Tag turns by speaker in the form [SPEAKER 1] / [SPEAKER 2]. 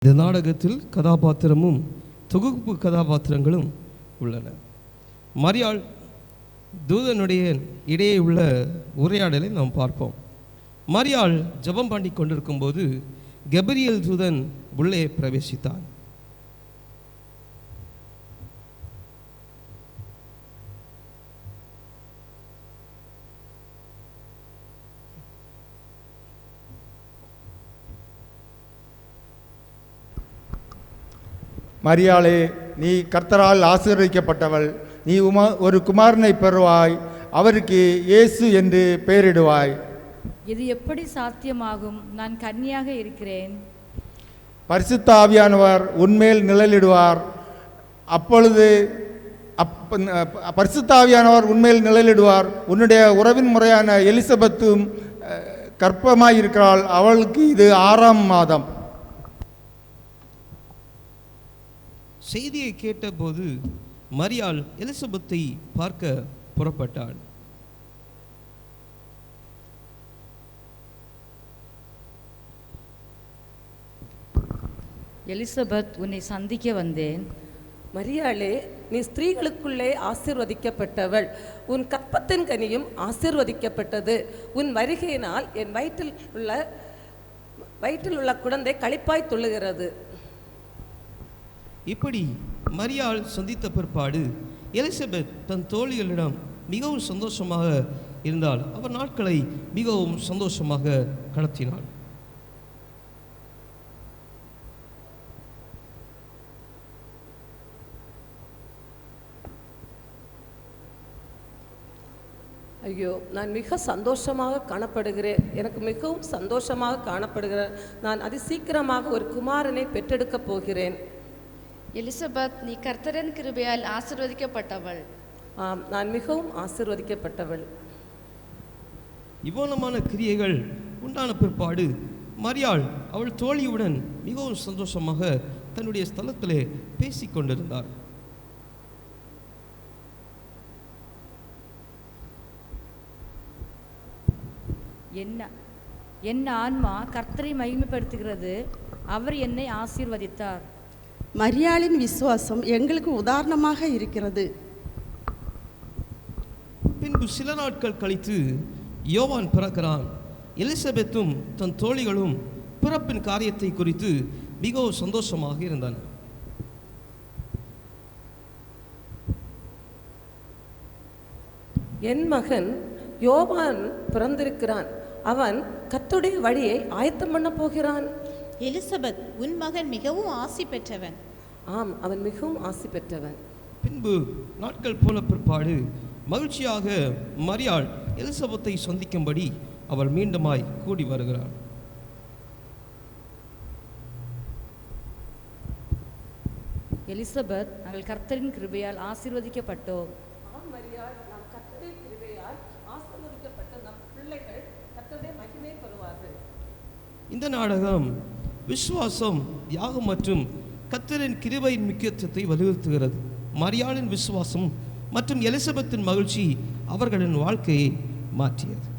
[SPEAKER 1] இந்த நாடகத்தில் கதாபாத்திரமும் தொகுப்பு கதாபாத்திரங்களும் உள்ளன. மரியாள் தூதனுடைய இடையே உள்ள உரையாடலை நாம் பார்ப்போம். மரியாள் ஜெபம் பண்ணி கொண்டிருக்கும் போது கபிரியேல் தூதன் உள்ளே பிரவேசித்தான்.
[SPEAKER 2] மரியாளே, நீ கர்த்தரால் ஆசீர்வதிக்கப்பட்டவள். நீ ஒரு குமாரனை பெறுவாய், அவருக்கு இயேசு என்று பெயரிடுவாய்.
[SPEAKER 3] இது எப்படி சாத்தியமாகும்? நான் கன்னியாக இருக்கிறேன்.
[SPEAKER 2] பரிசுத்த ஆவியானவர் உன்மேல் நிழலிடுவார். அப்பொழுது பரிசுத்த ஆவியானவர் உன்மேல் நிழலிடுவார். உன்னுடைய உறவின் முறையான எலிசபெத்தும் கர்ப்பமாயிருக்கிறாள். அவளுக்கு இது 6ஆம் மாதம்.
[SPEAKER 1] செய்தியை கேட்டபோது மரியாள் எலிசபெத்தை பார்க்க புறப்பட்டாள்.
[SPEAKER 3] எலிசபெத், உன்னை சந்திக்க வந்தேன்.
[SPEAKER 4] மரியாளே, நீ ஸ்திரீகளுக்குள்ளே ஆசீர்வதிக்கப்பட்டவள். உன் கற்பத்தின் கனியும் ஆசீர்வதிக்கப்பட்டது. உன் வருகையினால் என் வயிற்றில் உள்ள குழந்தை களிப்பாய் துள்ளுகிறது.
[SPEAKER 1] இப்படி மரியாள் சந்தித்த பிற்பாடு எலிசபெத் தன் தோழிகளிடம் மிகவும் சந்தோஷமாக இருந்தாள். அவர் நாட்களை மிகவும் சந்தோஷமாக கடத்தினாள்.
[SPEAKER 4] ஐயோ, நான் மிக சந்தோஷமாக காணப்படுகிறேன். எனக்கு மிகவும் சந்தோஷமாக காணப்படுகிறேன். நான் அதிசீக்கிரமாக ஒரு குமாரனை பெற்றெடுக்கப் போகிறேன்.
[SPEAKER 5] எலிசபெத், நீ கர்த்தரின் கிருபையால் ஆசீர்வதிக்கப்பட்டவள்.
[SPEAKER 4] ஆம், நான் மிகவும் ஆசீர்வதிக்கப்பட்டவள்.
[SPEAKER 1] இவ்வளமான கிரியைகள் உண்டான பிற்பாடு மரியாள் அவள் தோழியுடன் மிகவும் சந்தோஷமாக தன்னுடைய ஸ்தலத்திலே பேசிக் கொண்டிருந்தார்.
[SPEAKER 3] என் ஆன்மா கர்த்தரை மகிமைப்படுத்துகிறது. அவர் என்னை ஆசீர்வதித்தார்.
[SPEAKER 6] மரியாளின் விசுவாசம் எங்களுக்கு உதாரணமாக இருக்கிறது.
[SPEAKER 1] பின்பு சில நாட்கள் கழித்து யோவான் பிறக்கிறான். எலிசபெத்தும் தன் தோழிகளும் பிறப்பின் காரியத்தை குறித்து மிகவும் சந்தோஷமாக இருந்தனர்.
[SPEAKER 4] என் மகன் யோவான் பிறந்திருக்கிறான். அவன் கர்த்தருடைய வழியை ஆயத்தம் பண்ண போகிறான்.
[SPEAKER 7] எலிசபெத், உன் மகன் மிகவும் ஆசி பெற்றவன்.
[SPEAKER 4] ஆம், அவன் மிகவும் ஆசி பெற்றவன்.
[SPEAKER 1] பின்பு நாட்கள் போல பிற்பாடு மகிழ்ச்சியாக மரியாள் எலிசபெத்தை சந்திக்கும்படி அவள் மீண்டுமாய் கூடி வருகிறாள்.
[SPEAKER 3] எலிசபெத், நாங்கள் கர்த்தரின் கிருபையால் ஆசீர்வதிக்கப்பட்டோம்.
[SPEAKER 1] இந்த நாடகம் விசுவாசம், தியாகம் மற்றும் கர்த்தரின் கிருபையின் முக்கியத்துவத்தை வலியுறுத்துகிறது. மரியாளின் விசுவாசம் மற்றும் எலிசபெத்தின் மகிழ்ச்சி அவர்களின் வாழ்க்கையை மாற்றியது.